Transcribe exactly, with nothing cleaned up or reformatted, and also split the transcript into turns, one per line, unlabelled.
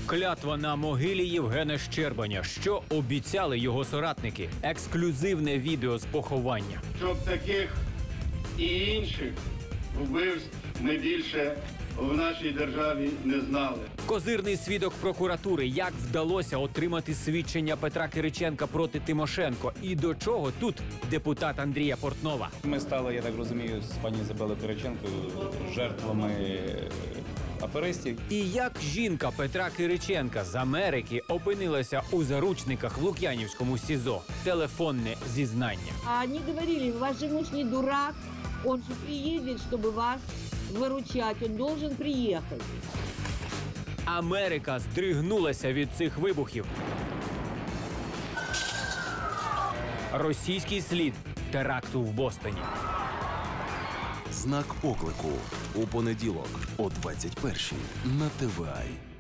Клятва на могилі Євгена Щербаня. Що обіцяли його соратники? Ексклюзивне відео з поховання.
Щоб таких і інших вбивств ми більше в нашій державі не знали.
Козирний свідок прокуратури. Як вдалося отримати свідчення Петра Кириченка проти Тимошенко? І до чого тут депутат Андрія Портнова?
Ми стали, я так розумію, з пані Ізабелою Кириченко жертвами аферистів.
І як жінка Петра Кириченка з Америки опинилася у заручниках в Лук'янівському СІЗО? Телефонне зізнання.
А они говорили, ваш же муж не дурак, он же приедет, чтобы вас выручать, он должен приехать.
Америка здригнулася від цих вибухів. Російський слід теракту в Бостоні.
Знак оклику у понеділок о двадцять першій на Т В А.